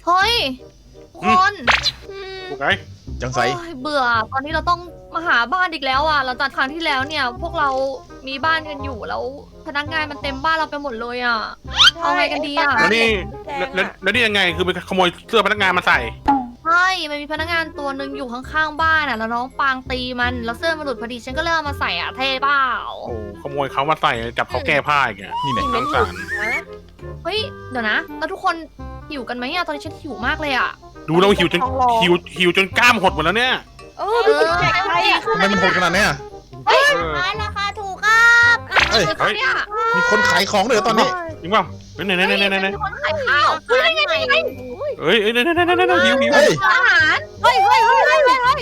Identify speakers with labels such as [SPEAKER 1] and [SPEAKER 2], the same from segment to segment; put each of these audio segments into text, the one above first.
[SPEAKER 1] ฮ้ยทุกคน
[SPEAKER 2] ถูกไหม
[SPEAKER 3] จังไส
[SPEAKER 1] โอ้ยเบื่อตอนนี้เราต้องมาหาบ้านอีกแล้วอ่ะเราจากครั้งที่แล้วเนี่ย พวกเรามีบ้านกันอยู่แล้วพนักงานมันเต็มบ้านเราไปหมดเลยอ่ะ เอาไงกันดีอะ
[SPEAKER 2] แล้วนี่แล้วนี่ยังไงคือไปขโมยเสื้อพนักงานมาใส่
[SPEAKER 1] ใช่มันมีพนักงานตัวหนึ่งอยู่ข้างๆบ้านอ่ะแล้วน้องปางตีมันแล้วเสื้อมันหลุดพอดีฉันก็เลยเอามาใส่อ่ะเท่เปล่า
[SPEAKER 2] โอ้ขโมยเขามาใส่จับเขาแก้ผ้าอีกอ่ะ
[SPEAKER 3] นี่เนี่ย
[SPEAKER 2] น้องสาร
[SPEAKER 1] เฮ้ยเดี๋ยวนะแล้วทุกคนหิวกันไหมอ่ะตอนนี้ฉันหิวมากเลยอ่ะ
[SPEAKER 2] ดูเราหิวจนหิวจนกล้ามหดหมดแล้วเนี่ย
[SPEAKER 4] ดูสิแจกใครอ่ะ
[SPEAKER 3] ทำไมมันโหดขนาดเนี้ย
[SPEAKER 5] ขายราคาถูกครับ
[SPEAKER 3] เอ้ย
[SPEAKER 1] เฮ้ยเนี่ย
[SPEAKER 3] มีคนขายของด้วยเหรอตอนนี้
[SPEAKER 2] จริงเปล่าไหน
[SPEAKER 1] มีคนขายข้าวเฮ้ยนี่ไง
[SPEAKER 2] เอ้ยหิว
[SPEAKER 3] เฮ้ย
[SPEAKER 1] อาหาร
[SPEAKER 5] เฮ้ย
[SPEAKER 2] เอ้ย
[SPEAKER 5] อะไร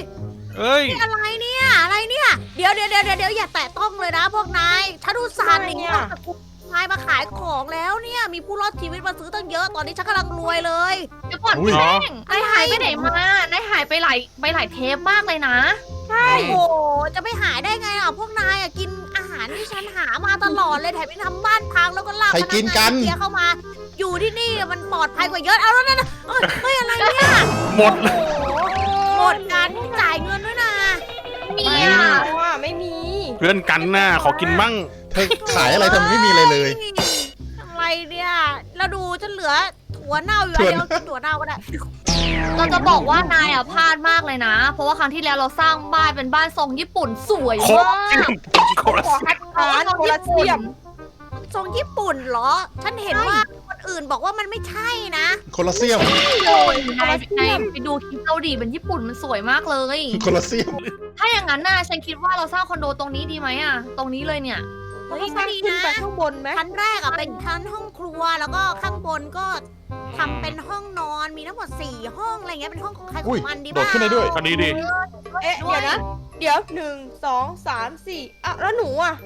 [SPEAKER 5] เนี่ยอะไรเนี่ยเดี๋ยวอย่าแตะต้องเลยนะพวกนายฉันดูสารอย่างเงี้ยนายมาขายของแล้วเนี่ยมีผู้รอดชีวิตมาซื้อตั้งเยอะตอนนี้ฉันกำลังรวยเลย
[SPEAKER 1] เดี๋ยวก่อนพี่แป้งนายหายไปไหนมานายหายไปหลายเทปมากเลยนะ
[SPEAKER 5] โอ้โหจะไม่หายได้ไงอ่ะพวกนายอ่ะกินอาหารที่ฉันหามาตลอดเลยแถมยังทำบ้านพังแล้วก็ลาก
[SPEAKER 3] ใครกินกัน
[SPEAKER 5] เสียเข้ามา อยู่ที่นี่มันปลอดภัยกว่าเยอะเอาแล้วนั่นเฮ้ยอะไรเนี่ย
[SPEAKER 2] หมด
[SPEAKER 5] หมดการจ่ายเงินด้วยนะ
[SPEAKER 1] มี
[SPEAKER 4] ไม่
[SPEAKER 1] อ่ะ
[SPEAKER 4] เอาอ่ะไม่มี
[SPEAKER 2] เพื่อนกันน่ะขอกินมั่ง
[SPEAKER 3] เธอขายอะไรทำไมไม่มีอะไรเลย
[SPEAKER 5] อะไรเนี่ยเราดูฉันเหลือถั่วเน่าอยู่อันเดียวกินถั่วเน่าก็ได้
[SPEAKER 1] เราจะบอกว่านายอ่ะพลาดมากเลยนะ เพราะว่าครั้งที่แล้วเราสร้างบ้านเป็นบ้านทรงญี่ปุ่นสวย
[SPEAKER 2] โค
[SPEAKER 1] มาก
[SPEAKER 2] โคตร
[SPEAKER 4] ขอคัดค้านโคลาเซียม
[SPEAKER 5] ทรงญี่ปุ่นเหรอ ฉันเห็นว่าคนอื่นบอกว่ามันไม่ใช่นะ
[SPEAKER 3] โคลอเซียม
[SPEAKER 1] นายไปดูคลิปเกาหลีเป็นญี่ปุ่นมันสวยมากเลย
[SPEAKER 3] โคลอเซียม
[SPEAKER 1] ถ้าอย่างนั้นน่ะฉันคิดว่าเราสร้างคอนโดตรงนี้ดีไหมอ่ะ ตรงนี้เลยเนี่ย
[SPEAKER 4] เราต้องสร้างขึ้นไปข้างบนไหม
[SPEAKER 5] ชั้นแรกอะเป็นชั้นห้องครัวแล้วก็ข้างบนก็ทำเป็นห้องนอนมีทั้งหมด4ห้องอะไรเงี้ยเป็นห้องของใครข
[SPEAKER 3] อุ้
[SPEAKER 5] อย งมันดี
[SPEAKER 3] โดดขึ้นได้ด้วย
[SPEAKER 2] ก็ดีดิ
[SPEAKER 4] เอ๊ะเดี๋ยวนะ เดี๋ยว1 2 3 4อ่ะแล้วหนูอ่ะ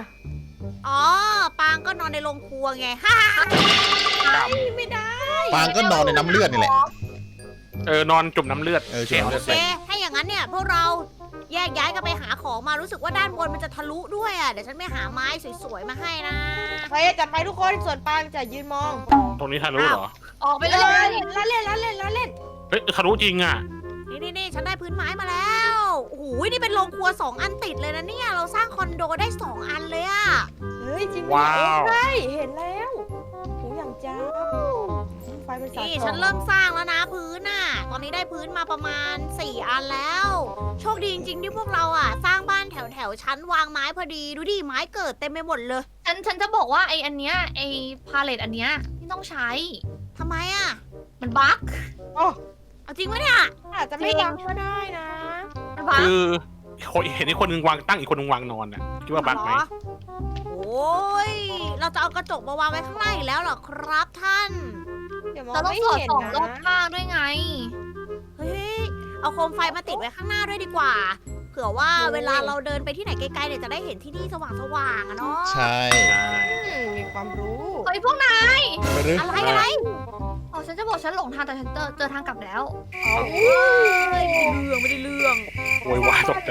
[SPEAKER 4] 5
[SPEAKER 5] อ๋อปางก็นอนในโรงครัวไงฮ่า
[SPEAKER 4] ไม่ได้
[SPEAKER 3] ปางก็นอนในน้ำเลือดนี่แหละ
[SPEAKER 2] นอนจุ่มน้ำเลือด
[SPEAKER 3] จุ่มน้ำเลื
[SPEAKER 5] โอ
[SPEAKER 3] อด
[SPEAKER 5] เคถ้าอย่างนั้นเนี่ยพวกเราแยกย้ายกันไปหาของมารู้สึกว่าด้านบนมันจะทะลุด้วยอ่ะเดี๋ยวฉันไปหาไม้สวยๆมาให้นะ
[SPEAKER 4] ไปจัดไปทุกคนส่วนปางจะยืนมอง
[SPEAKER 2] ตรงนี้ทะลุเหรอ
[SPEAKER 1] ออกไปเลย
[SPEAKER 4] ละเล่น
[SPEAKER 2] เฮ้ยทะลุจริงอ่ะ
[SPEAKER 5] นี่ฉันได้พื้นไม้มาแล้วโอ้โหนี่เป็นโรงครัว2 อันติดเลยนะเนี่ยเราสร้างคอนโดได้2 อันเลยอ่ะ
[SPEAKER 4] เฮ้ยจริง
[SPEAKER 2] ว้าว
[SPEAKER 4] ใช่เห็นแล้วหูอย่างจ้าไฟมันสาด
[SPEAKER 5] นี่ฉันเริ่มสร้างแล้วนะพื้นน่ะ ตอนนี้ได้พื้นมาประมาณ4 อันแล้ว โชคดีจริงๆที่พวกเราอ่ะ สร้างบ้านแถวๆชั้นวางไม้พอดี ดูดิไม้เกิดเต็มไปหมดเลย
[SPEAKER 1] ฉันจะบอกว่าไออันเนี้ยไอพาเลตอันเนี้ยที่ต้องใช้
[SPEAKER 5] ทำไมอ่ะ
[SPEAKER 1] มันบั๊ก
[SPEAKER 5] เอาจริงไหมเนี่ย
[SPEAKER 4] อาจจะไม่วางก็ได้นะ
[SPEAKER 1] มันบั๊ก
[SPEAKER 2] คือเห็นไอ้คนหนึงวางตั้งอีกคนหนึงวางนอนอ่ะคิดว่าบั๊กไหม
[SPEAKER 5] รอโอ้ย เราจะเอากระจกมาวางไว้ข้างหน้าอีกแล้วเหรอครับท่าน
[SPEAKER 4] เดี๋ยวมอง
[SPEAKER 1] เราต้อง
[SPEAKER 4] ไม่
[SPEAKER 1] สอด
[SPEAKER 4] เห็น
[SPEAKER 1] ส่องรอบ
[SPEAKER 4] นะ
[SPEAKER 1] ข้างด้วยไง
[SPEAKER 5] เฮ้ย เอาโคมไฟมาติดไว้ข้างหน้าด้วยดีกว่า เผื่อว่าเวลาเราเดินไปที่ไหนไกลๆเนี่ยจะได้เห็นที่นี่สว่างๆอะเนาะ
[SPEAKER 3] ใช่
[SPEAKER 2] ใช่
[SPEAKER 4] มีความรู้
[SPEAKER 1] เฮ้ยพวกนาย
[SPEAKER 3] ไปหรือ
[SPEAKER 5] อะไร
[SPEAKER 1] อ๋อฉันจะบอกฉันหลงทางแต่ฉันเจอทางกลับแล้ว
[SPEAKER 5] ไม่ได้เรื่อง
[SPEAKER 2] โวยวายตกใจ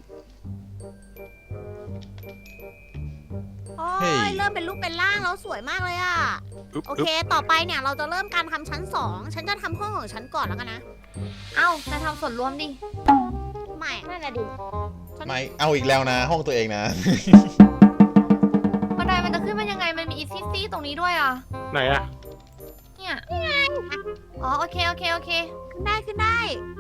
[SPEAKER 5] โอ้ยเริ่มเป็นรูปเป็นร่างแล้วสวยมากเลยอะ
[SPEAKER 2] อึ๊บ
[SPEAKER 5] โอเค ต่อไปเนี่ยเราจะเริ่มการทำชั้น 2 ฉันจะทำห้องของฉันก่อนแล้วกันนะ
[SPEAKER 1] เอ้านายทำส่วนรวมดิ
[SPEAKER 5] ไม่
[SPEAKER 4] นั่นน่ะดิ
[SPEAKER 3] ไม่เอาอีกแล้วนะ ห้องตัวเองนะ
[SPEAKER 1] บันไดมันจะขึ้นมายังไง มันมีอีซี่ตรงนี้ด้วยอ่ะ
[SPEAKER 2] ไหนอ่ะ
[SPEAKER 1] เนี่ยอ๋อโอเค
[SPEAKER 5] ขึ้นได้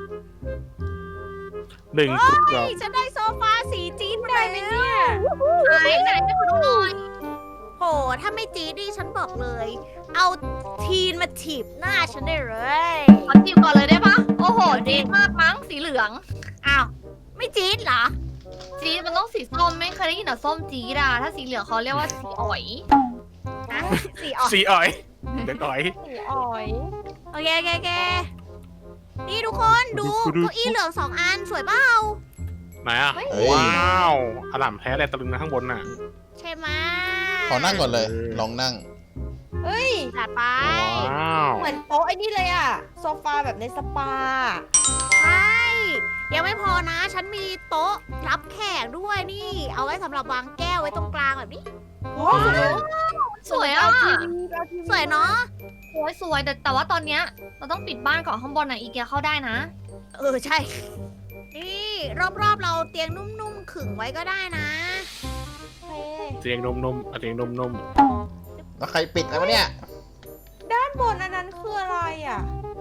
[SPEAKER 2] หนึ่ง
[SPEAKER 5] เฮ้
[SPEAKER 2] กรุ๊ปเรา
[SPEAKER 5] ยฉันได้โซฟาสีจี๊ดมา
[SPEAKER 4] ได้ไหม
[SPEAKER 5] แล้ว
[SPEAKER 4] เนี่ย
[SPEAKER 1] ไหนไปขอดูหน่อย
[SPEAKER 5] โห ถ้าไม่จี๊ดนี่ฉันบอกเลย เอาทีนมาถีบหน้าฉันได้เลย
[SPEAKER 1] ขอจีบก่อนเลยได้ปะโอ้โหจี๊ดมากมั้งสีเหลือง
[SPEAKER 5] อ้าว ไม่จี๊ดเหรอ
[SPEAKER 1] จี๊ดมันต้องสีส้มไม่เคยได้ยินแต่ส้มจี๊ดอะถ้าสีเหลืองเขาเรียกว่าสีอ๋อย
[SPEAKER 5] สีออก
[SPEAKER 2] สีอ่อยเด็กอ่อย
[SPEAKER 4] สีอ่อย
[SPEAKER 5] โอเคนี่ทุกคนดูเก้าอี้เหลือง2 อันสวยเปล่า
[SPEAKER 2] ไหนอ่ะ
[SPEAKER 3] เฮ้ย
[SPEAKER 2] ว้าวอล่ามแท้เลยตะลึงนะข้างบนน่ะ
[SPEAKER 5] ใช่ไหม
[SPEAKER 3] ขอนั่งก่อนเลย ลองนั่ง
[SPEAKER 4] เฮ้ย
[SPEAKER 5] จัดไป
[SPEAKER 2] ว้าว
[SPEAKER 4] เหมือนโต๊ะไอ้นี่เลยอ่ะโซฟาแบบในสปา
[SPEAKER 5] ใช่ยังไม่พอนะ ฉันมีโต๊ะรับแขกด้วยนี่ เอาไว้สำหรับวางแก้วไว้ตรงกลางแบบนี้
[SPEAKER 4] โอ้โห
[SPEAKER 1] สวยอ่ะ
[SPEAKER 5] สวยเนาะ
[SPEAKER 1] สวยแต่ว่าตอนเนี้ยเราต้องปิดบ้านก่อนข้างบนน่ะอีเกียเข้าได้นะ
[SPEAKER 5] ใช่ นี่รอบๆเราเตียงนุ่มๆขึงไว้ก็ได้นะ
[SPEAKER 2] เสียงนมเสียงนม
[SPEAKER 3] แล้วใครปิดแล้วเนี่ย
[SPEAKER 4] ด้านบนอันนั้นคืออะไรอ่ะ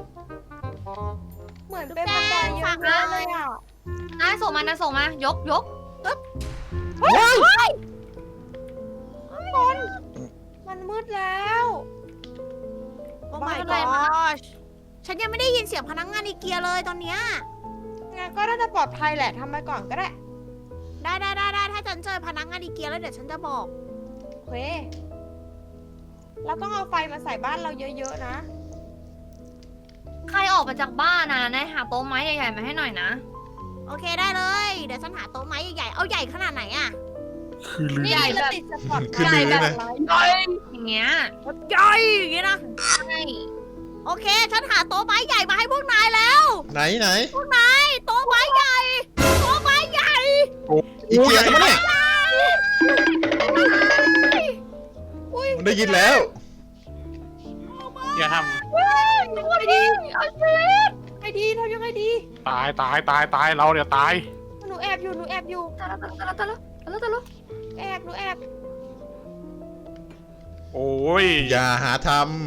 [SPEAKER 4] เหมือนเป็นบันไดเยอะๆเลยอ่ะ
[SPEAKER 1] นายส่งมานายส่งมายก
[SPEAKER 4] มันมืดแล้ว
[SPEAKER 5] โอ้ my
[SPEAKER 1] อะไรมา
[SPEAKER 5] gosh ฉันยังไม่ได้ยินเสียงพนักงานอีเกียเลยตอนเนี้ย
[SPEAKER 4] งั้นก็น่าจะปลอดภัยแหละทำไปก่อนก็ได้
[SPEAKER 5] ได้ถ้าฉันเจอพนักงานอีเกียแล้วเดี๋ยวฉันจะบอก
[SPEAKER 4] โอเค เราต้องเอาไฟมาใส่บ้านเราเยอะๆนะ
[SPEAKER 1] ใครออกมาจากบ้านนะนายหาโต๊ะไม้ใหญ่ๆมาให้หน่อยนะ
[SPEAKER 5] โอเคได้เลย เดี๋ยวฉันหาโต๊ะไม้ใหญ่ๆเอาใหญ่ขนาดไหนอะ
[SPEAKER 2] ๆคือลืม
[SPEAKER 4] นี่เราติดสปอต
[SPEAKER 3] คือลืมเลยนะ
[SPEAKER 1] อย่างเงี้ย
[SPEAKER 5] ใหญ่อย่างงี้นะ
[SPEAKER 1] ใช่
[SPEAKER 5] โอเค ฉันหาโต๊ะไม้ใหญ่มาให้พวกนายแล้ว
[SPEAKER 3] ไหน
[SPEAKER 5] พวกนายโต๊ะไม้ใหญ่โต๊ะไม้ใหญ่
[SPEAKER 3] อีเกียใช่ไหมเนี่ยมันได้ยินแล้ว
[SPEAKER 2] อย่าท
[SPEAKER 4] ไงดีไงดีทำยังไงดี
[SPEAKER 2] ำตายเราเนี่ยตาย
[SPEAKER 4] หนูแอบอยู่
[SPEAKER 1] ตะละ
[SPEAKER 4] หนูแอบ
[SPEAKER 2] โอ้ย
[SPEAKER 3] อย่าหาท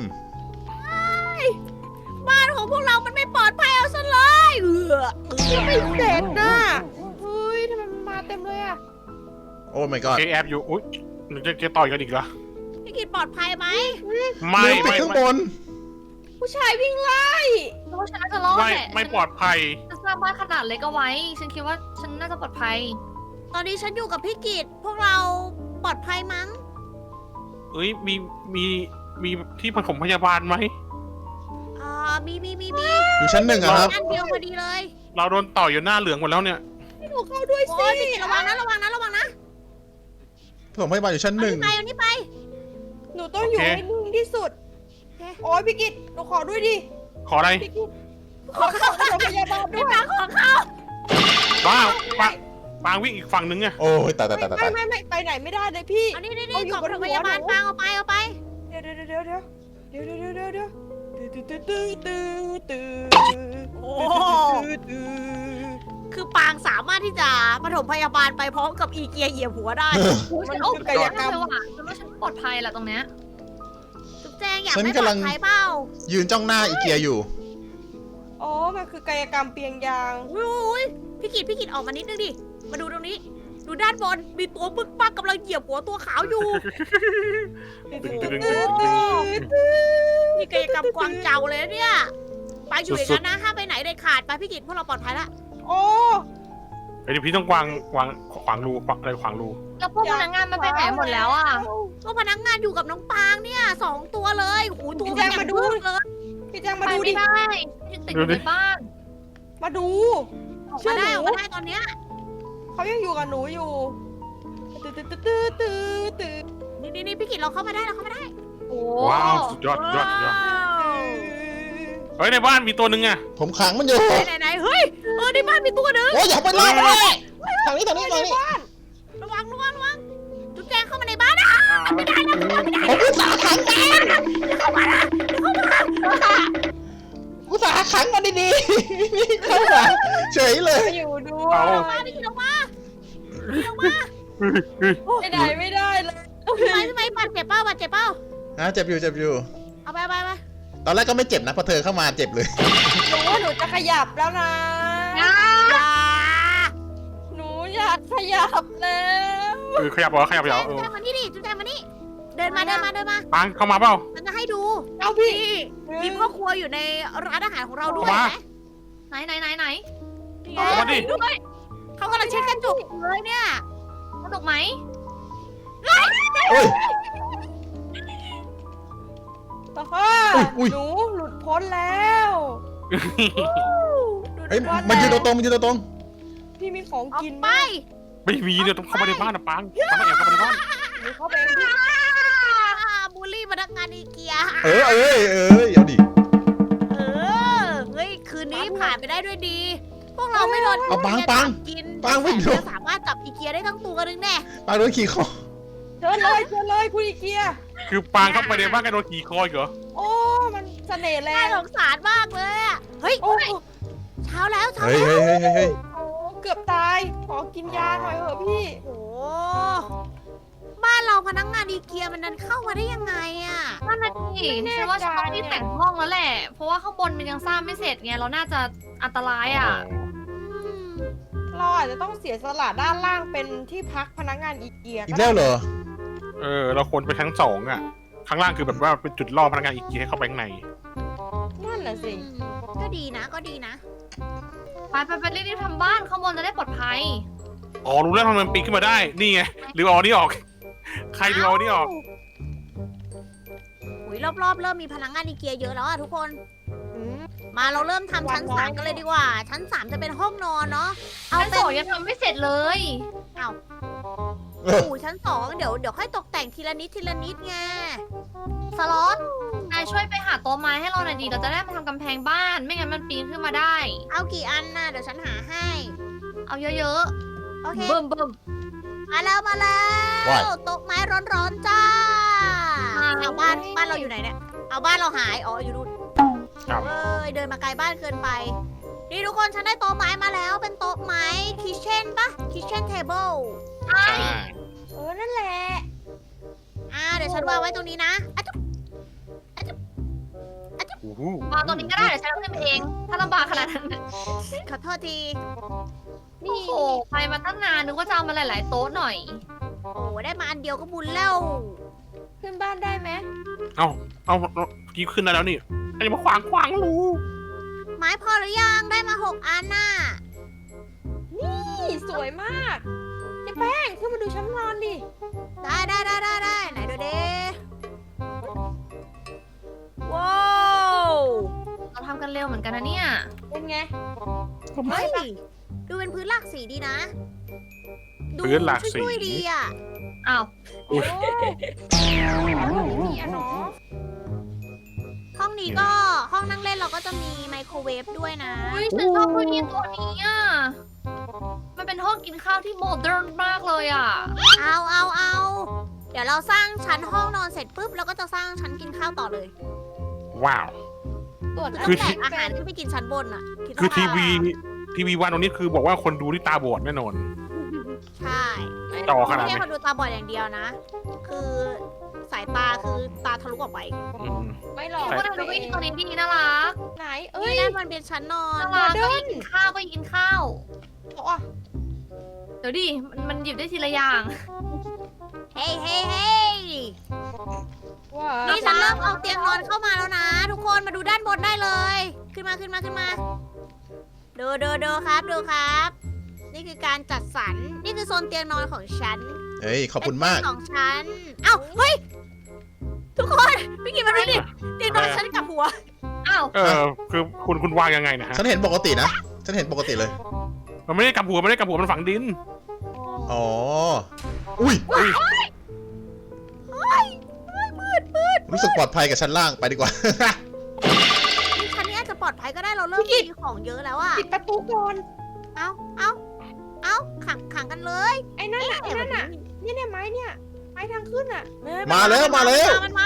[SPEAKER 5] บ้านของพวกเรามันไม่ปลอดภัยเอาซะเลย
[SPEAKER 4] ไม่เสร็จน่ะเฮ้ยทำไมมันมาเต็มเลยอ่ะ
[SPEAKER 3] ำโอ้ my god
[SPEAKER 2] เอแอบอยู่อุ้ยมันจะต่อยกันอีกเหรอ
[SPEAKER 5] พี่กินปลอดภัยไหม
[SPEAKER 2] ไม่
[SPEAKER 3] ลืมปิดข้างบน
[SPEAKER 4] ผู้ชายวิ่งไล่
[SPEAKER 1] เพราะว่าฉันน่าจะรอดแหละ
[SPEAKER 2] ไม่ปลอดภัย
[SPEAKER 1] ฉันสร้างบ้านขนาดเล็กเอาไว้ ฉันคิดว่าฉันน่าจะปลอดภัย
[SPEAKER 5] ตอนนี้ฉันอยู่กับพี่กิตพวกเราปลอดภัยมั้ง
[SPEAKER 2] เอ้ยมีที่ผสมพยาบาลไหม
[SPEAKER 5] มี
[SPEAKER 3] อยู่ชั้นหนึ่งอะครับ
[SPEAKER 5] อันเดียวพอดีเลย
[SPEAKER 2] เราโดนต่อยอยู่หน้าเหลืองหมดแล้วเนี่ย
[SPEAKER 4] ให้หนูเข้าด้วย
[SPEAKER 5] โอ้
[SPEAKER 4] สิ
[SPEAKER 5] ยพี่กิตระวังนะระวังนะ
[SPEAKER 3] ผมพยาบาลอยู่ชั้นหนึ่ง
[SPEAKER 5] เอานี่ไป
[SPEAKER 4] หนูต้องอยู่ให้นิ่งที่สุด โอ้ยพี่กิตหนูขอด้วยดิ
[SPEAKER 2] ขออะไร
[SPEAKER 4] พี่กิตขอเข้าโรงพยาบาลด้
[SPEAKER 5] ไม่
[SPEAKER 4] วย
[SPEAKER 5] ฟังของเขา
[SPEAKER 2] บ้าปางวิ่งอีกฝั่งนึงไง
[SPEAKER 3] โอ้ยตาย
[SPEAKER 4] ไม่ไปไหนไม่ได้เลยพี่
[SPEAKER 5] เอานี่
[SPEAKER 4] เอาอยู่
[SPEAKER 5] กล่อง
[SPEAKER 4] บน
[SPEAKER 5] โรง
[SPEAKER 4] หั
[SPEAKER 5] พ
[SPEAKER 4] ว
[SPEAKER 5] ยาบาล
[SPEAKER 4] หนู
[SPEAKER 5] ฟังเอาไป
[SPEAKER 4] เดี๋ยวตื้อ
[SPEAKER 5] โอ้คือปางสามารถที่จะปฐมพยาบาลไปพร้อมกับอีเกียเหยียบหัวได้
[SPEAKER 1] ฉันโอ้กายกรรมเลยว่ะฉันว่าฉันปลอดภัยแหละตรงเนี้ย
[SPEAKER 5] จุ๊บแจงอยากไม่ปลอดภัยเปล่า
[SPEAKER 3] ยืนจ้องหน้าอีเกียอยู่
[SPEAKER 4] อ๋อมันคือกายกรรมเปียงยาง
[SPEAKER 5] อุ้ยพี่กิตออกมานิดนึงดิ มาดูตรงนี้ ดูด้านบน มีตัวบึกปักกำลังเหยียบหัวตัวขาวอยู่ นี่กายกรรมกวางเจาเลยนะเนี่ย ไปอยู่อย่างนั้นนะห้ามไปไหนเด็ดขาด ไปพี่กิตพวกเราปลอดภัยละ
[SPEAKER 4] โอ้
[SPEAKER 2] เดี๋ยวพี่ต้องวางขวางรูอะไรขวางรู
[SPEAKER 1] แล้วพวกพนักงานมันไปไหนหมดแล้วอ่ะ
[SPEAKER 5] ก็พนักงานอยู่กับน้องปางเนี่ย2 ตัวเลยโอ้โหตัวมันใหญ่มากเลย
[SPEAKER 4] พี่แจงมา
[SPEAKER 1] ไป
[SPEAKER 4] ดูดิ
[SPEAKER 1] ไม่ได้ฉันติดอยู่ในบ้าน
[SPEAKER 4] มาดู
[SPEAKER 5] ออกมาได้ตอนเนี้ย
[SPEAKER 4] เขายังอยู่กับหนูอยู่ตื้อ
[SPEAKER 5] นี่พี่กิตเราเข้ามาได้
[SPEAKER 1] โอ้
[SPEAKER 2] ว้าวสุดยอดเฮ้ยในบ้านมีตัวหนึ่งอะ
[SPEAKER 3] ผมขังมันอยู่
[SPEAKER 5] ไหนเฮ้ยในบ้านมีตัวหนึ่ง
[SPEAKER 3] โอ้ยอย่าไปล่ามันเลยทางนี้
[SPEAKER 5] ระวังจุ๊บแจงเข้ามาในบ้านนะ
[SPEAKER 2] ไม่ได้นะ
[SPEAKER 3] ผมอุตส่าห์ขังมันอุตส่าห์ขังมันดีๆเข้ามาเฉยเลย
[SPEAKER 4] อยู่ด้วย
[SPEAKER 5] มาพี่กิตออกมา
[SPEAKER 4] ไปไหนไม่ได้เลย
[SPEAKER 5] ทำไมบาดเจ็บเปล่า
[SPEAKER 3] เจ็บอยู่
[SPEAKER 5] เอาไป
[SPEAKER 3] ตอนแรกก็ไม่เจ็บนะพอเธอเข้ามาเจ็บเลย
[SPEAKER 4] หนูว่าหนูจะขยับแล้วนะ หนูอยากขยับแล้ว
[SPEAKER 2] ขยับเหรอขยับเหรอ
[SPEAKER 5] จุ๊บแจงมานี่ดิจุ๊บแจงมานี่เดินมา
[SPEAKER 2] ปางเข้ามาเปล่า
[SPEAKER 5] มันจะให้ดู
[SPEAKER 4] เอาพี่
[SPEAKER 5] มีพ่อครัวอยู่ในร้านอาหารของเราด้วย
[SPEAKER 2] มา
[SPEAKER 5] ไหม
[SPEAKER 1] ไหน
[SPEAKER 2] เอามาดิ
[SPEAKER 1] ด้วย
[SPEAKER 5] เขากำลังเช็ดกระจกอยู่เลยเนี่ย
[SPEAKER 1] สนุกไหม
[SPEAKER 3] โอ้ย
[SPEAKER 4] ต่อค่ะ
[SPEAKER 3] อุ๊ย
[SPEAKER 4] หนูหลุดพ้นแล้ว
[SPEAKER 3] เฮ้ยมันยืนตรง
[SPEAKER 4] พี่มีของ
[SPEAKER 5] ออก
[SPEAKER 4] กิน
[SPEAKER 5] ไป
[SPEAKER 2] ไม่มีเดี๋ยวต้องเข้ามาในบ้านนะปางเข้ามาแอบเข้ามาในบ้าน
[SPEAKER 4] หนูเข้าไปเองพี่
[SPEAKER 5] บูลลี่พนักงานอีเกีย
[SPEAKER 3] เอ้ยเอาดิ
[SPEAKER 5] เฮ้ย คืนนี้ผ่านไปได้ด้วยดีพวกเราไม่โดน
[SPEAKER 3] เอาปัง
[SPEAKER 5] จับกิน
[SPEAKER 3] ปังไม่โดน
[SPEAKER 5] แต่สามารถจับอีเกียได้ทั้งตัวนึงแน่
[SPEAKER 3] ปางโดนขี่คอ
[SPEAKER 4] เชิญเลยคุณอีเกีย
[SPEAKER 2] คือปางเข้าไปในบ้านกันโดนขี่คออีกเหรอ
[SPEAKER 4] โอ้มันเสน่ห์แร
[SPEAKER 5] น่าง สงสารมากเลยอะเฮ้ย
[SPEAKER 4] โอ้
[SPEAKER 5] เช้าแล้วเช้า
[SPEAKER 3] เฮ้ย
[SPEAKER 5] แล้ว
[SPEAKER 3] เฮ้ย
[SPEAKER 4] โอ้เกือบตายขอกินยาหน่อยเถอะพี่
[SPEAKER 5] โอ้บ้านเราพนักงานอีเกียมันดันเข้ามาได้ยังไงอะ
[SPEAKER 1] นั่นน่ะสิฉันว่าฉันต้องรีบแต่งห้องแล้วแหละ เพราะว่าข้างบนมันยังสร้างไม่เสร็จไง เราน่าจะอันตรายอ่ะ
[SPEAKER 5] อืม
[SPEAKER 4] เราอาจจะต้องเสียสละด้านล่างเป็นที่พักพนักงานอีเกีย
[SPEAKER 3] อีกแล้วเหรอ
[SPEAKER 2] เราควรไปทั้ง2อ่ะ ข้างล่างคือแบบว่าเป็นจุดล่อพนักงานอีกทีให้เข้าไปข้างใน
[SPEAKER 4] นั่นน่ะสิ
[SPEAKER 5] ก็ดีนะก็ดีนะ
[SPEAKER 1] ไปรีบๆทำบ้านข้างบนจะได้ปลอดภัย
[SPEAKER 2] อ๋อรู้แล้วทำไมมันปีนขึ้นมาได้ นี่ไงหรือเอาอันนี้ออก ใครหรือเอาอันนี้ออก
[SPEAKER 5] อุยรอบๆเริ่มมีพนักงานอีเกียเยอะแล้วอะทุกคน
[SPEAKER 4] อืม
[SPEAKER 5] มาเราเริ่มทำชั้น
[SPEAKER 4] วางไว้
[SPEAKER 5] 3กันเลยดีกว่า ชั้น 3 จะเป็นห้องนอนเนาะ เอา
[SPEAKER 1] ชั้น
[SPEAKER 5] เป็
[SPEAKER 1] ส
[SPEAKER 5] น
[SPEAKER 1] องยังทำไม่เสร็จเลย
[SPEAKER 3] เออ
[SPEAKER 5] ชั้น 2 เดี๋ยวค่อยตกแต่งทีละนิดไง
[SPEAKER 1] สล็อตนายช่วยไปหาโต๊ะไม้ให้เราหน่อยดี เราจะได้มาทำกำแพงบ้าน ไม่งั้นมันปีนขึ้นมาได้
[SPEAKER 5] เอากี่อันน่ะเดี๋ยวฉันหาให้
[SPEAKER 1] เอาเยอะ
[SPEAKER 5] โอเค
[SPEAKER 1] ๆ เบิ่ม
[SPEAKER 5] มาแล้ว
[SPEAKER 3] ว้าย
[SPEAKER 5] โต๊ะไม้ร้อนๆจ้า เอาบ้านเราอยู่ไหนเนี่ย เอาบ้านเราหาย อ๋ออยู่นู่น
[SPEAKER 2] ครับ
[SPEAKER 5] เอ้ยเดินมาไกลบ้านเกินไป นี่ทุกคนฉันได้โต๊ะไม้มาแล้ว เป็นโต๊ะไม้คิเช่นปะคิเช่นเทเบิล
[SPEAKER 1] ใช่
[SPEAKER 2] ใช่
[SPEAKER 4] นั่นแหละ
[SPEAKER 5] เดี๋ยวฉันวางไว้ตรงนี้นะอะจุ๊บ
[SPEAKER 2] โอ้โห
[SPEAKER 1] วางตรงนี้ก็ได้เดี๋ยวฉันเอาขึ้นไปเอง ถ้าลำบากขนาดนั้น
[SPEAKER 5] ขอโทษที
[SPEAKER 1] โอ้โหไปมาตั้งนานนึกว่าจะเอามาหลายๆโต๊ะหน่อย
[SPEAKER 5] โอ้ได้มาอันเดียวก็บุญแล้ว
[SPEAKER 4] ขึ้นบ้านได้ไหม
[SPEAKER 2] เอากี้ขึ้นได้แล้วนี่อันนี้มาขวางรู
[SPEAKER 5] ไม้พอหรือยังได้มา6 อันน่ะ
[SPEAKER 4] นี่สวยมากเจ๊แป้งขึ้นมาดูชั้นนอนดิ
[SPEAKER 5] ได้ไหนดูดิว้าว
[SPEAKER 1] เราทำกันเร็วเหมือนกันนะเนี่ย
[SPEAKER 4] เป็นไง
[SPEAKER 5] เฮ้ยดูเป็นพื้นหลากสีดีนะ ดู
[SPEAKER 2] พื้นหลากสี
[SPEAKER 5] ช่วยๆดีอ่ะ
[SPEAKER 1] อ้าว
[SPEAKER 4] โอ้มีอะเนาะ
[SPEAKER 5] ห้องนี้ก็ห้องนั่งเล่นเราก็จะมีไมโครเวฟด้วยนะ
[SPEAKER 1] อุ้ยฉันชอบตัวนี้ตัวนี้อ่ะ มันเป็นห้องกินข้าวที่โมเดิร์นมากเลยอ่ะ
[SPEAKER 5] เอาเดี๋ยวเราสร้างชั้นห้องนอนเสร็จปุ๊บเราก็จะสร้างชั้นกินข้าวต่อเลย
[SPEAKER 2] ว้าว
[SPEAKER 4] ตรวจ
[SPEAKER 5] ต้
[SPEAKER 2] คือ
[SPEAKER 5] องแบกอาหารขึ้นไปกินชั้นบนอ่ะด
[SPEAKER 2] คือ
[SPEAKER 5] ว่า
[SPEAKER 2] ทีวีวันตรงนี้คือบอกว่าคนดูที่ตาบอดแน่นอน
[SPEAKER 5] ใช่
[SPEAKER 2] จอขนาด
[SPEAKER 5] ไม่
[SPEAKER 2] นี้
[SPEAKER 5] ใช่คนดูตาบอดอย่างเดียวนะ คือสายตาคือตาทะลุออกไป
[SPEAKER 2] อืม
[SPEAKER 4] ไม่หรอก
[SPEAKER 1] โอ้ยดูวิธีตัวนี้ดีน่ารัก
[SPEAKER 4] ไหนเอ้ย
[SPEAKER 5] นี่นั่นมันเป็นชั้นนอน
[SPEAKER 1] น่ารัก
[SPEAKER 4] โมเดิ
[SPEAKER 1] ก็
[SPEAKER 4] ร์น
[SPEAKER 1] กินข้าวก็กินข้าว
[SPEAKER 4] อ๋อ
[SPEAKER 1] เดี๋ยวดิมันหยิบได้ทีละอย่าง
[SPEAKER 5] เฮ้ย
[SPEAKER 4] ว้า
[SPEAKER 5] นี่ฉันเริ่มเอาเตียงนอนเข้ามาแล้วนะ ทุกคนมาดูด้านบนได้เลย ขึ้นมาดูครับ นี่คือการจัดสรรนี่คือโซนเตียงนอนของฉัน
[SPEAKER 3] เฮ้ย ขอบคุณมาก
[SPEAKER 5] เป็นของฉันเอ้าเฮ้ยทุกคนพี่กินมาดูดิเตียงนอนฉันกับหัว
[SPEAKER 1] อ้าว
[SPEAKER 2] คือคุณวางยังไงนะฮะ
[SPEAKER 3] ฉันเห็นปกตินะ ฉันเห็นปกติเลย
[SPEAKER 2] มันไม่ได้กลับหัวมันฝังดิน
[SPEAKER 3] อ๋อ อุ้ย รู้สึกปลอดภัยกับชั้นล่างไปดีกว่า
[SPEAKER 5] นี่ชั้นนี้อาจจะปลอดภัยก็ได้เราเริ่มมีของเยอะแล้วอะ
[SPEAKER 4] ปิดประตูก่อน
[SPEAKER 5] เอ้าขังกันเลย
[SPEAKER 4] ไอ้นั่นน่ะเนี่ยไม้เนี่ยไม้ทางขึ้นอ่ะ
[SPEAKER 3] มาแล้ว
[SPEAKER 5] มันมา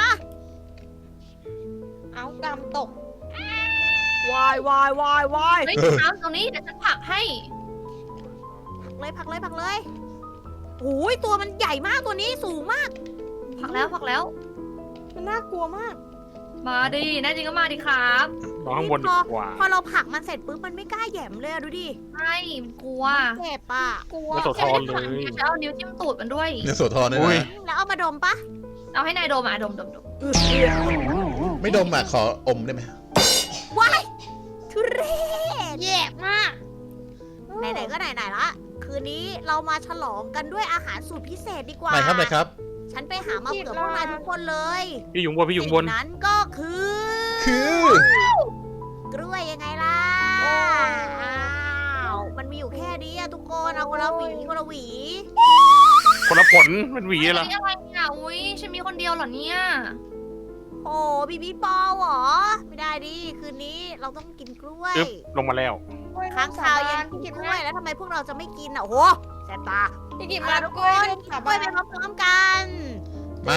[SPEAKER 4] เอากำตก
[SPEAKER 5] วาย
[SPEAKER 1] เฮ้ยน้ำตรงนี้เดี๋ยวฉันผลักให้
[SPEAKER 5] ผลักเลยโอ้ยตัวมันใหญ่มากตัวนี้สูงมาก
[SPEAKER 1] ผลักแล้ว
[SPEAKER 4] มันน่ากลัวมาก
[SPEAKER 1] มาดิแน่จริงก็มาดิครับ
[SPEAKER 2] นอนข้างบนดีกว่า
[SPEAKER 5] พอเราผลักมันเสร็จปุ๊บมันไม่กล้าแหย่มเลยอะดูดิ
[SPEAKER 1] ใช่มันกลัว
[SPEAKER 5] เจ็บอะ
[SPEAKER 4] กลัว
[SPEAKER 2] ไม่สดทอนเลย
[SPEAKER 1] ฉันเอานิ้วจิ้มตูดมันด้วย
[SPEAKER 3] เนี่ยโสธรด้วย
[SPEAKER 2] อุ้ย
[SPEAKER 3] นะ
[SPEAKER 5] แล้วเอามาดมปะ
[SPEAKER 1] เอาให้นายดมอ่ะดม
[SPEAKER 3] ไม่ดมอ่ะ ขออมได้ไหม
[SPEAKER 5] ว้ายทุเรศ
[SPEAKER 4] แย่มาก
[SPEAKER 5] ไหนๆก็ไหนๆละคืนนี้เรามาฉลองกันด้วยอาหารสูตรพิเศษดีกว่า
[SPEAKER 3] ไหนครับ
[SPEAKER 5] ฉันไปหามาเผื่อพวกนายทุกคนเลย
[SPEAKER 2] พี่อยู่บน
[SPEAKER 5] สิ่งนั้นก็คือ
[SPEAKER 3] คือ
[SPEAKER 5] กล้วยยังไงล่ะอ้าวมันมีอยู่แค่นี้อะทุกคนเอาคนละหวี
[SPEAKER 2] คนละผลเป็นหวี
[SPEAKER 1] ๆ
[SPEAKER 2] เหรอ
[SPEAKER 1] อะไรเนี่ยอุ้ยฉันมีคนเดียวเหรอเนี่ย
[SPEAKER 5] โอ้บีบีปอเหรอ ไม่ได้ดิคืนนี้เราต้องกินกล้วย
[SPEAKER 2] จึ๊บลงมาแล้ว
[SPEAKER 1] โอ้
[SPEAKER 5] ค้างคาวยังกินกล้วยแล้วทำไมพวกเราจะไม่กินอ่ะโอ้โหแสบตา
[SPEAKER 4] พี่กิน
[SPEAKER 5] มา
[SPEAKER 4] มา
[SPEAKER 5] ทุ
[SPEAKER 4] ทุ
[SPEAKER 5] ก
[SPEAKER 4] ก
[SPEAKER 5] ค
[SPEAKER 4] คน น
[SPEAKER 5] กินกล้วยไปพร้อมๆกัน
[SPEAKER 3] มา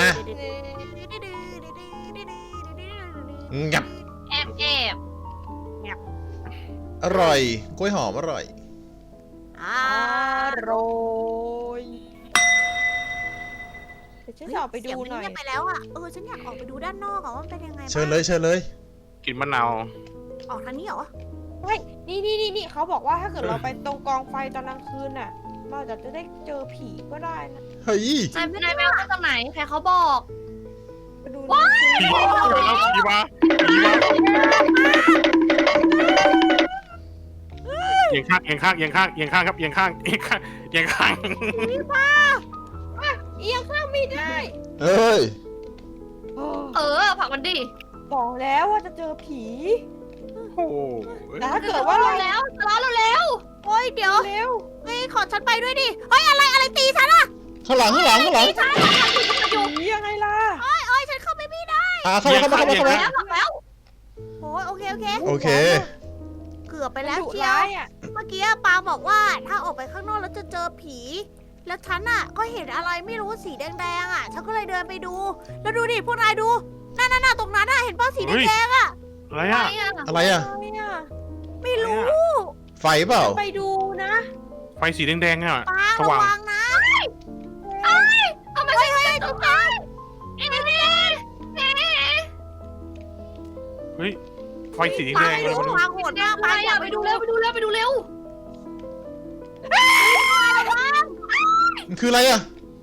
[SPEAKER 3] งับ
[SPEAKER 1] แอบแอบ
[SPEAKER 3] อร่อย กล้วยหอมอร่อย
[SPEAKER 5] อ่า
[SPEAKER 4] อร่อยเดี๋ยวฉันจะออกไปดูหน่อย
[SPEAKER 5] เสีงมัเงีบไปแล้วอ่ะฉันอยากออกไปดูด้านนอกอ่ะว่ามันเป็นยังไงบ้าง
[SPEAKER 3] เชิญเลยเชิญเลย
[SPEAKER 2] กินมะนาว
[SPEAKER 5] ออกทางนี้เหรอ
[SPEAKER 4] เฮ้ยนี่เขาบอกว่าถ้าเกิดเราไปตรงกองไฟตอนกลางคืนน่ะเราอาจจะได้เจอผีก็ได้นะ
[SPEAKER 3] เฮ้ย
[SPEAKER 1] นายแมวมาจากไหนใครเขาบอก
[SPEAKER 4] ไปดูหน่อยสิ
[SPEAKER 2] ผีแล้วผีมาเอียงข้างเอียงข้างเอียงข้างเอียงข้างครับเอียงข้างเอียงข้างเอียงข้าง
[SPEAKER 4] เอียงข้างไม่ได้
[SPEAKER 3] เอ้ย
[SPEAKER 1] ผลักมันดิ
[SPEAKER 4] บอกแล้วว่าจะเจอผี
[SPEAKER 2] โอ้โห
[SPEAKER 4] แต่ถ้าเกิดว่าเรา
[SPEAKER 1] แล้วจะล้อเราแล้ว
[SPEAKER 5] โอ้ยเดี๋ยว
[SPEAKER 4] เร็ว
[SPEAKER 5] เฮ้ยขอฉันไปด้วยดิเฮ้ยอะไรตีฉันอ่ะ
[SPEAKER 3] ข้างหลังข้างหลังข้างหลัง
[SPEAKER 4] ผียังไงล่ะ
[SPEAKER 5] เอ้ยฉันเข้าไปไม่ได้
[SPEAKER 3] เข้ามาเข้ามาเข้ามาเข้ามา
[SPEAKER 1] แล้วหลักแล้ว
[SPEAKER 5] โอ้ยโอเค
[SPEAKER 3] โอเค
[SPEAKER 5] เกือบไปแล้ว
[SPEAKER 4] ดุ
[SPEAKER 5] เชียว
[SPEAKER 4] ร้ายอ่ะ
[SPEAKER 5] เมื่อกี้ปางบอกว่าถ้าออกไปข้างนอกแล้วจะเจอผี แล้วฉันอ่ะก็เห็นอะไรไม่รู้สีแดงๆอ่ะ ฉันก็เลยเดินไปดู แล้วดูดิพวกนายดูนั่นตรงนั้นอ่ะเห็นป้าสีแดงๆอ่ะ
[SPEAKER 2] อะไร
[SPEAKER 1] ใคร
[SPEAKER 2] อ่ะ
[SPEAKER 1] อ่ะ
[SPEAKER 3] อะไรอ่ะ
[SPEAKER 4] อะไรอ่ะ
[SPEAKER 5] ไม่รู้
[SPEAKER 3] ไฟเปล่า
[SPEAKER 4] ไปดูนะ
[SPEAKER 2] ไฟสีแดงๆอ่ะ
[SPEAKER 5] ปาง
[SPEAKER 2] ส
[SPEAKER 5] ระ
[SPEAKER 2] ว่าง
[SPEAKER 5] วังนะ
[SPEAKER 1] ทำไมฉันไม่ตกใจเอ๊ะ
[SPEAKER 2] เฮ้ยไฟสีแด
[SPEAKER 5] ปาง
[SPEAKER 2] ง
[SPEAKER 5] ไม่
[SPEAKER 2] อะไร
[SPEAKER 5] รู้
[SPEAKER 2] ไม่รู้
[SPEAKER 5] ปางโหดมาก
[SPEAKER 1] ไป
[SPEAKER 5] ปางอย่า
[SPEAKER 1] ไปดูเร็วไปดูเร็วไปดูเร็ว
[SPEAKER 3] มันคืออะไรอ่ะ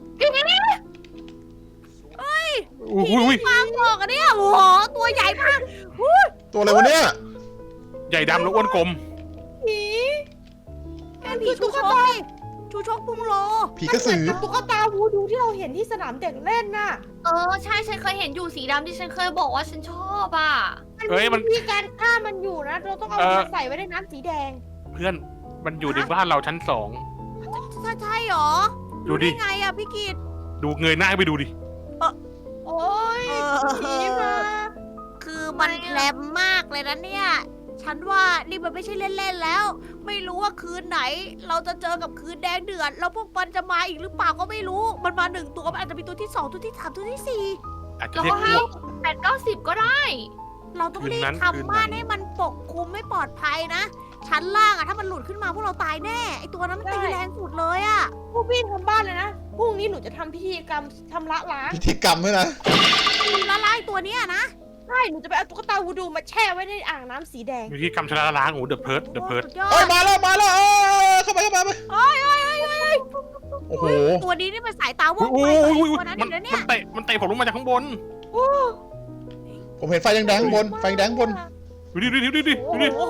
[SPEAKER 2] อุ้ย
[SPEAKER 5] ปางบอกอันเนี้ยโอ้โหตัวใหญ่มาก
[SPEAKER 3] ตัวอะไรวะเนี่ย
[SPEAKER 2] ใหญ่ดำแล้วอ้วนกลม
[SPEAKER 4] ผี
[SPEAKER 5] เป็นผีชูชกดิชูชกพุงโล
[SPEAKER 3] ผีกระสือ
[SPEAKER 4] มันเหมือนกับตุ๊กตาวูดูที่เราเห็นที่สนามเด็กเล่นน่ะ
[SPEAKER 1] ใช่ฉันเคยเห็นอยู่สีดำที่ฉันเคยบอกว่าฉันชอบอ่ะ
[SPEAKER 2] เฮ้ยมัน
[SPEAKER 4] วิธีการฆ่ามันอยู่นะ เราต้องเอามันใส่ไว้ในน้ำสีแดง
[SPEAKER 2] เพื่อนมันอยู่ในบ้านเราชั้นสอง
[SPEAKER 5] ใช่หรอ
[SPEAKER 2] ดูดิ
[SPEAKER 5] ไงอะพี่กิต
[SPEAKER 2] ดูเงยหน้าไปดูดิ
[SPEAKER 4] โอ้ยผีมา
[SPEAKER 5] คือมันแพลมมากเลยนะเนี่ย ฉันว่านี่มันไม่ใช่เล่นๆแล้ว ไม่รู้ว่าคืนไหน เราจะเจอกับคืนแดงเดือด แล้วพวกมันจะมาอีกหรือเปล่าก็ไม่รู้ มันมา1 ตัวมันอาจจะมีตัวที่ 2 ตัวที่ 3 ตัวที่
[SPEAKER 2] อาจจะ
[SPEAKER 1] เรา
[SPEAKER 2] เรีย
[SPEAKER 1] ก็
[SPEAKER 2] ก
[SPEAKER 1] ให้
[SPEAKER 2] พวก
[SPEAKER 1] 8-90ก็ได้
[SPEAKER 5] 4 เราต้องรี
[SPEAKER 2] คืนนั้
[SPEAKER 5] บ
[SPEAKER 2] นคืน
[SPEAKER 5] ทำม่าน
[SPEAKER 2] ไหน
[SPEAKER 5] ให้มันปกคลุมไม่ปลอดภัยนะ ชั้นล่างอะถ้ามันหลุดขึ้นมาพวกเราตายแน่ ไอตัวนั้นมันตีแรงสุดเลยอะ
[SPEAKER 4] พวกพี่ทำบ้านเลยนะ พรุ่งนี้หนูจะทำพิธีกรรมชำระล้าง
[SPEAKER 3] พิธีกรรมด้วยนะ
[SPEAKER 5] ละลายตัวเนี้ยนะ
[SPEAKER 4] ใช่ หนูจะไปเอาตุ๊กตาวูดูมาแช่ไว้ในอ่างน้ำสีแดง
[SPEAKER 2] วิธีกรรมชนะล้างโอ้เดอะเพิร์ดเดอะเพิร์ด
[SPEAKER 5] สุดยอ
[SPEAKER 3] เอ้ย
[SPEAKER 5] ด
[SPEAKER 3] มาแล้วมาแล้วเข้าไปเข้าไปโอ้โห
[SPEAKER 5] ตัวนี้นี่มันสายตาว่อง
[SPEAKER 2] โอ้
[SPEAKER 5] ไว
[SPEAKER 2] ย
[SPEAKER 5] กว่า
[SPEAKER 2] โอ้ย
[SPEAKER 5] ไอ้ตัวนั้น
[SPEAKER 2] มั
[SPEAKER 5] อี
[SPEAKER 2] น
[SPEAKER 5] กแล้วเนี่
[SPEAKER 2] มั
[SPEAKER 5] ย
[SPEAKER 2] นเตะผมลงมาจากข้างบน
[SPEAKER 3] ผมเห็นไฟแดงๆข้างบน ไฟแดงข้างบน
[SPEAKER 2] ดูดิ
[SPEAKER 4] โอ้โห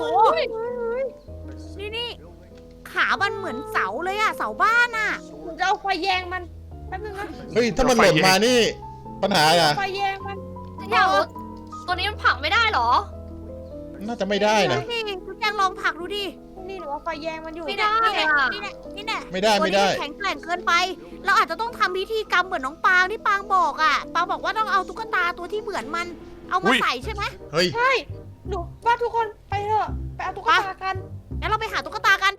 [SPEAKER 5] นี่ขามันเหมือนเสาเลยอะเสาบ้านอะ
[SPEAKER 4] หนูจะเอาไฟแยงมัน แป๊บนึงนะ
[SPEAKER 3] เฮ้ย ถ้ามันหล่นมานี่ ปัญหาอ่ะ
[SPEAKER 4] ไฟแยงมัน
[SPEAKER 1] ฉันอยากรู้ตัวนี้มันผลักไม่ได้เหรอ
[SPEAKER 3] น่าจะไม่ได้นะ
[SPEAKER 5] นี่ทุกอย่างลองผลักดูดิ
[SPEAKER 4] นี่หนูเอาไฟแยงมันอยู่
[SPEAKER 1] ไม่ได้
[SPEAKER 5] นี่แน่
[SPEAKER 3] ไม่ได้
[SPEAKER 5] ตัว
[SPEAKER 3] ไม่
[SPEAKER 5] นี้
[SPEAKER 3] ได้
[SPEAKER 5] แข็งแกร่งเกินไป เราอาจจะต้องทำพิธีกรรมเหมือนน้องปางที่ปางบอกอะปางบอกว่าต้องเอาตุ๊กตาตัวที่เหมือนมัน เอามาใส่ใช่ไหม
[SPEAKER 3] เฮ้ย
[SPEAKER 4] ใช่ หนูว่าทุกคนไปเถอะ ไปเอาตุ๊กตากัน
[SPEAKER 5] งั้นเราไปหาตุ๊กตากัน